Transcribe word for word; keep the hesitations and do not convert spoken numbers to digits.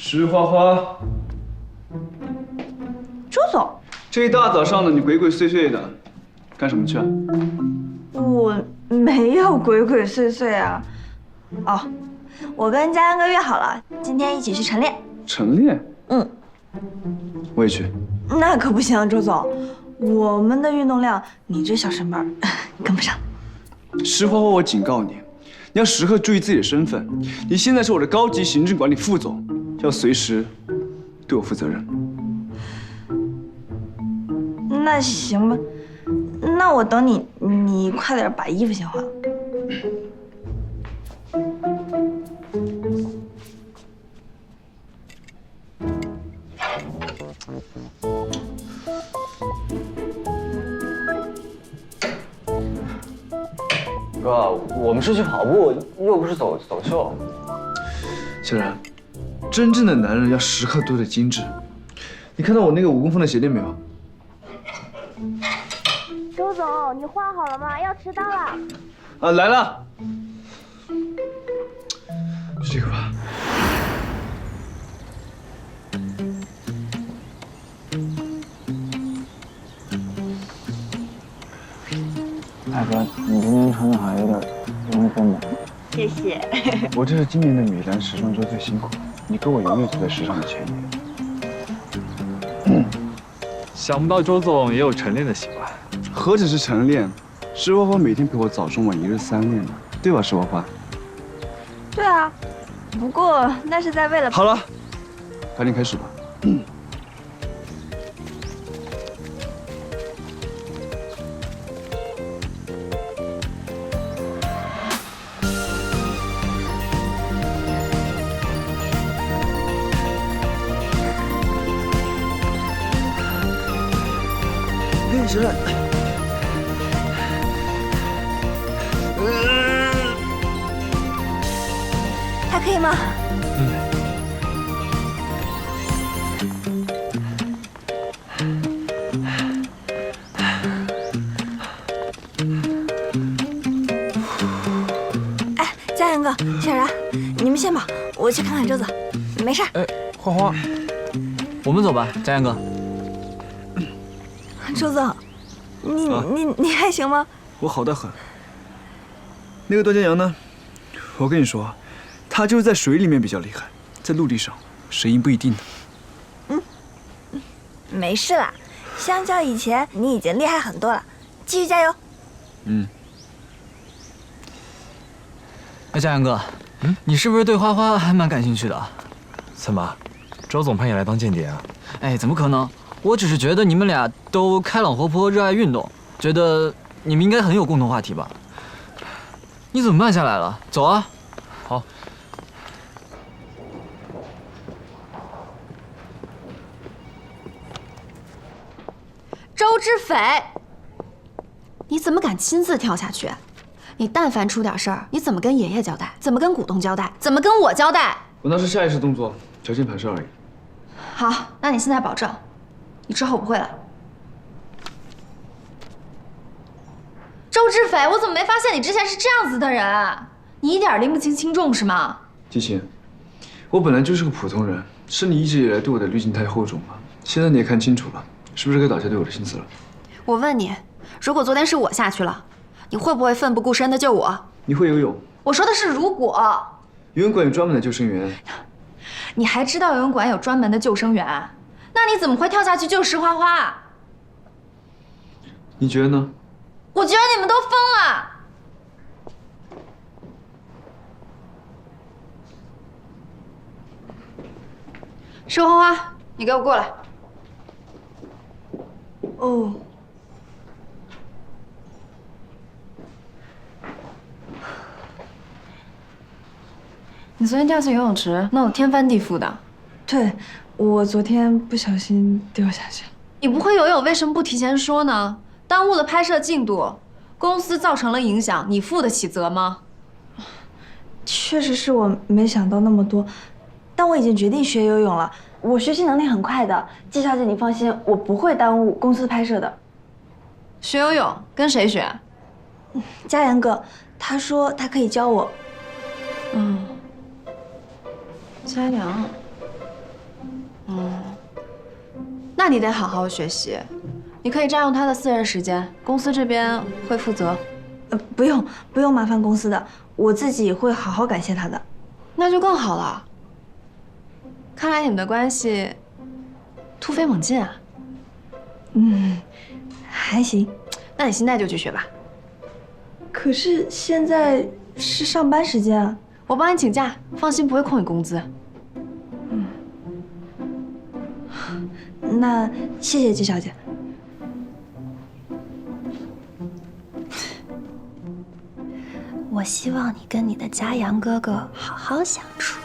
石花花， 周总， 这一大早上的你鬼鬼祟祟的，干什么去啊？ 我没有鬼鬼祟祟啊。哦，我跟佳阳哥约好了，今天一起去晨练。 晨练？ 嗯， 我也去。 那可不行，周总，我们的运动量，你这小身板跟不上。 石花花，我警告你，你要时刻注意自己的身份。你现在是我的高级行政管理副总，要随时对我负责任。 那行吧，那我等你，你快点把衣服先换了。 哥，我们是去跑步，又不是走走秀。 小然，真正的男人要时刻都得精致。你看到我那个五公分的鞋垫没有？ 周总，你换好了吗？要迟到了。 啊，来了。就这个吧。 大哥，你今天穿的好像有点阴森呢。 谢谢。 我这是今年的米兰时装周最辛苦，你哥我永远走在时尚的前沿。 想不到周总也有晨练的习惯。 何止是晨练，石花花每天陪我早中晚一日三练呢，对吧，石花花？ 对啊，不过那是在为了…… 好了，赶紧开始吧。嗯。嘿，小冉。 还可以吗？ 嗯。 哎，佳阳哥、小然，你们先跑，我去看看周子，没事。 哎，花花，我们走吧，佳阳哥。 周总，你、啊、你你还行吗？ 我好得很。那个段江阳呢？我跟你说。他就是在水里面比较厉害，在陆地上谁赢不一定呢。 嗯，没事啦，相较以前你已经厉害很多了，继续加油。 嗯。 哎，佳阳哥，嗯，你是不是对花花还蛮感兴趣的？ 怎么，周总派你来当间谍啊？ 哎，怎么可能？我只是觉得你们俩都开朗活泼，热爱运动，觉得你们应该很有共同话题吧？你怎么慢下来了？走啊！ 好。 周知斐，你怎么敢亲自跳下去？你但凡出点事儿，你怎么跟爷爷交代？怎么跟股东交代？怎么跟我交代？ 我那是下意识动作，条件反射而已。 好，那你现在保证，你之后不会了。周知斐，我怎么没发现你之前是这样子的人？你一点拎不清轻重是吗？ 季晴，我本来就是个普通人，是你一直以来对我的滤镜太厚重了。现在你也看清楚了。是不是该倒下对我的心思了？ 我问你，如果昨天是我下去了，你会不会奋不顾身的救我？ 你会游泳？ 我说的是如果。 游泳馆有专门的救生员。 你还知道游泳馆有专门的救生员？那你怎么会跳下去救石花花？ 你觉得呢？ 我觉得你们都疯了。石花花，你给我过来。 哦， 你昨天掉进游泳池，闹得天翻地覆的。 对，我昨天不小心掉下去了。 你不会游泳，为什么不提前说呢？耽误了拍摄进度，公司造成了影响，你负得起责吗？ 确实是我没想到那么多，但我已经决定学游泳了。我学习能力很快的，季小姐你放心，我不会耽误公司拍摄的。 学游泳跟谁学？ 佳阳哥，他说他可以教我。 嗯，佳阳， 嗯，那你得好好学习。你可以占用他的私人时间，公司这边会负责。 呃，不用不用麻烦公司的，我自己会好好感谢他的。 那就更好了。看来你们的关系突飞猛进啊。 嗯，还行。 那你现在就去学吧。 可是现在是上班时间啊。 我帮你请假，放心，不会扣你工资。 那谢谢季小姐。 我希望你跟你的家阳哥哥好好相处。